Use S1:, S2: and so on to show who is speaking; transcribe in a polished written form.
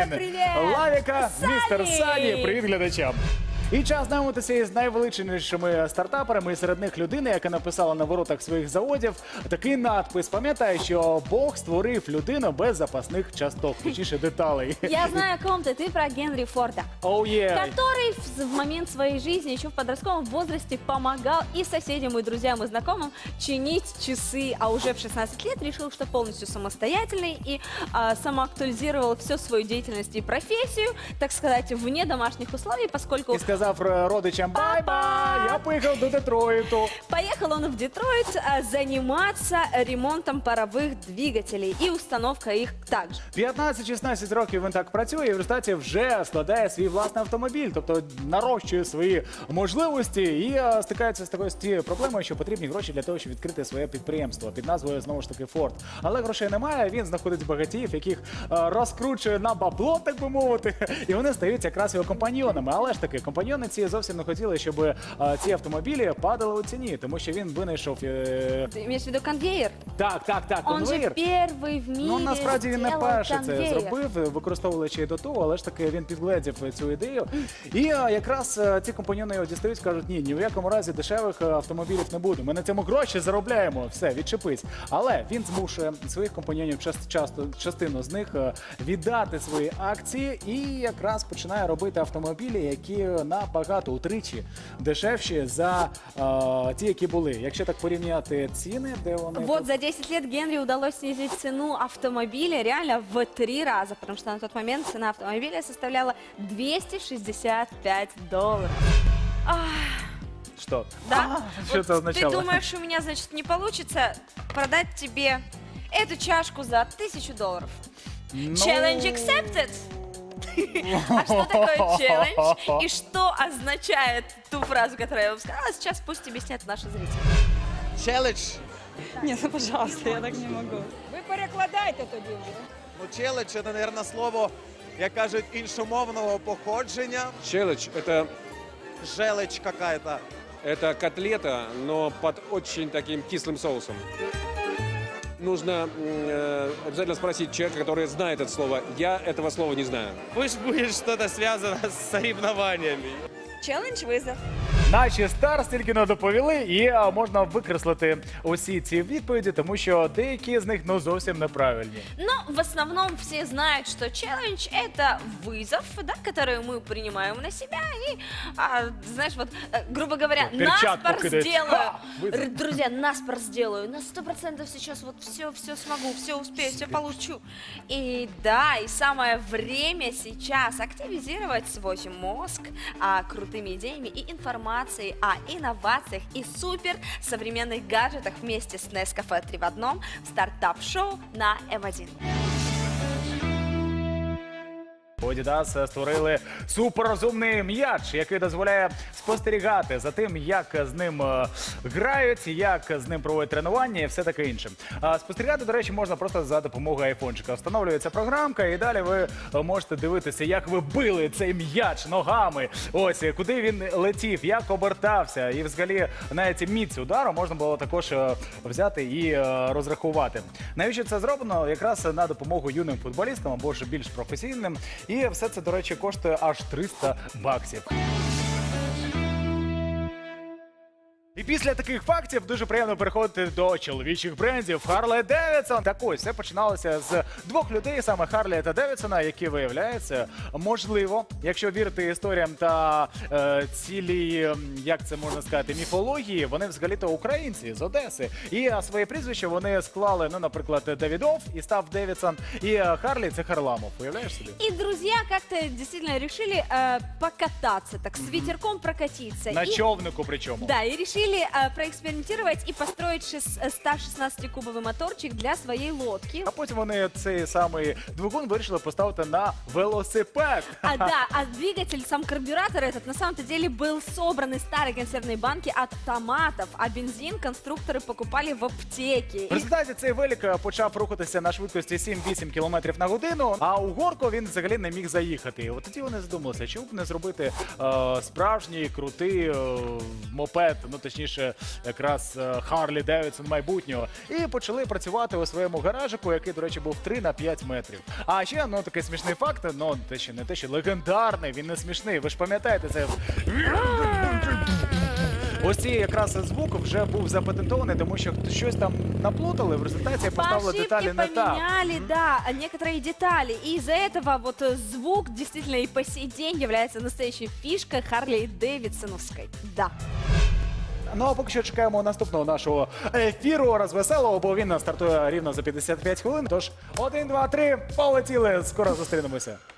S1: привіт!
S2: Лавіка,
S1: Сані!
S2: містер Сані. Привіт глядачам. І час знайомитися із найвеличнішими стартаперами, і серед них людина, яка написала на воротах своїх заводів такий надпис. Пам'ятає, що Бог створив людину без запасних часток, точніше деталей.
S1: Я знаю о ком ты про Генри Форда,
S2: Oh, yeah.
S1: который в момент своей жизни еще в подростковом возрасте помогал и соседям, и друзьям, и знакомым чинить часы, а уже в 16 лет решил, что полностью самостоятельный и самоактуализировал всю свою деятельность и профессию, так сказать, вне домашних условий, поскольку
S2: І сказав родичам бай-бай, я поїхав до Детройту.
S1: поехал он в Детройт заниматься ремонтом паровых двигателей и установкой их также.
S2: 15-16 років він так працює і в результаті вже складає свій власний автомобіль, тобто нарощує свої можливості і стикається з такою проблемою, що потрібні гроші для того, щоб відкрити своє підприємство під назвою, знову ж таки, Форд. Але грошей немає, він знаходить багатіїв, яких розкручує на бабло, так би мовити, і вони стають якраз його компаньйонами. Але ж таки, компаньйони ці зовсім не хотіли, щоб ці автомобілі падали у ціні, тому що він винайшов...
S1: Ты имеешь в виду конвейер?
S2: Так,
S1: Он же
S2: конвейер.
S1: первый в мире
S2: Ну, насправді він не
S1: сделал
S2: перший це
S1: конвейер.
S2: зробив, використовуючи доту, але ж таки він підгледів цю ідею. І якраз ці компаньйони його дістають, кажуть, ні в якому разі дешевих автомобілів не буде. Ми на цьому гроші заробляємо, все, відчепись. Але він змушує своїх компаньйонів частину з них віддати свої акції і якраз починає робити автомобілі, які набагато утричі дешевші за ті, які були. Якщо так порівняти ціни, де вони...
S1: Вот за 10 лет Генри удалось снизить цену автомобиля реально в 3 раза, потому что на тот момент цена автомобиля составляла $265.
S2: Що?
S3: Да?
S2: Що
S3: Вот
S2: це означало?
S3: Ты думаешь, у меня, значит, не получится продать тебе эту чашку за $1000?
S2: Ну,
S3: Challenge accepted? А что такое челлендж? И что означает ту фразу, которую я вам сказала? Сейчас пусть объяснят наши зрители.
S4: Челендж.
S5: Ні, ну, пожалуйста, я так не можу.
S6: Ви перекладайте тоді вже.
S4: Ну, челендж – це, мабуть, слово, як кажуть, іншомовного походження.
S7: Челлендж
S4: Желечь какая-то.
S7: это котлета, но под очень таким кислым соусом. Нужно обязательно спросить человека, который знает это слово. Я этого слова не знаю.
S8: Пусть будет что-то связано с соревнованиями.
S5: Челендж визов.
S2: Наші старс тільки не доповіли, і можна викреслити усі ці відповіді, тому що деякі з них зовсім неправильні.
S3: Но в основном все знают, что челлендж – это вызов, да, который мы принимаем на себя. И, знаешь, вот, грубо говоря,
S2: Перчатку
S3: наспор
S2: кидать.
S3: сделаю.
S2: Ха! Вызов.
S3: Друзья, наспор сделаю. На 100% сейчас вот все смогу, все успею, все получу. И да, и самое время сейчас активизировать свой мозг крутыми идеями и информацией о инновациях и супер современных гаджетах вместе с Nescafe 3 в одном в стартап-шоу на М1.
S2: У Adidas створили суперрозумний м'яч, який дозволяє спостерігати за тим, як з ним грають, як з ним проводять тренування і все таке інше. Спостерігати, до речі, можна просто за допомогою айфончика. Встановлюється програмка, і далі ви можете дивитися, як ви били цей м'яч ногами, ось, куди він летів, як обертався. І взагалі навіть міць удару можна було також взяти і розрахувати. Навіщо це зроблено? Якраз на допомогу юним футболістам або ж більш професійним. І все це, до речі, коштує аж $300. І після таких фактів дуже приємно переходити до чоловічих брендів Harley Davidson. Так ось, все починалося з двох людей, саме Харлі та Девідсона, які, виявляється, можливо, якщо вірити історіям та цілій, як це можна сказати, міфології, вони взагалі-то українці з Одеси. І своє прізвище вони склали, ну, наприклад, Давідов і став Девідсон, і Харлі – це Харламов. Уявляєш собі?
S1: И друзья как-то действительно решили покататься, так с ветерком прокатиться.
S2: На
S1: И-
S2: човнику причому.
S1: Да, и решили проэкспериментировать и построить 116-кубовый моторчик для своей лодки.
S2: А потім вони цей самий двигун вирішили поставити на велосипед.
S1: А двигатель, сам карбюратор этот, на самом-то деле был собран из старой консервной банки от томатов, а бензин конструкторы покупали в аптеке.
S2: В результаті цей велик почав рухатися на швидкості 7-8 км на годину, а у горку він взагалі не міг заїхати. І от тоді вони задумалися, чому б не зробити справжній крутий мопед, ну точніше точніше, якраз Харлі Девідсон майбутнього, і почали працювати у своєму гаражику, який, до речі, був 3 на 5 метрів. А ще, ну, такий смішний факт, ну, не те, що легендарний, він не смішний. Ви ж пам'ятаєте, це... Ось цей якраз звук вже був запатентований, тому що щось там наплутали, в результаті
S1: По
S2: поставили
S1: ошибке
S2: деталі не так.
S1: поменяли, да, некоторые детали. И из-за этого вот звук действительно и по сей день является настоящей фишкой Харли Дэвидсоновской. Да.
S2: Ну а поки що чекаємо наступного нашого ефіру розвеселого, бо він стартує рівно за 55 хвилин. Тож 1, 2, 3, полетіли. Скоро зустрінемося.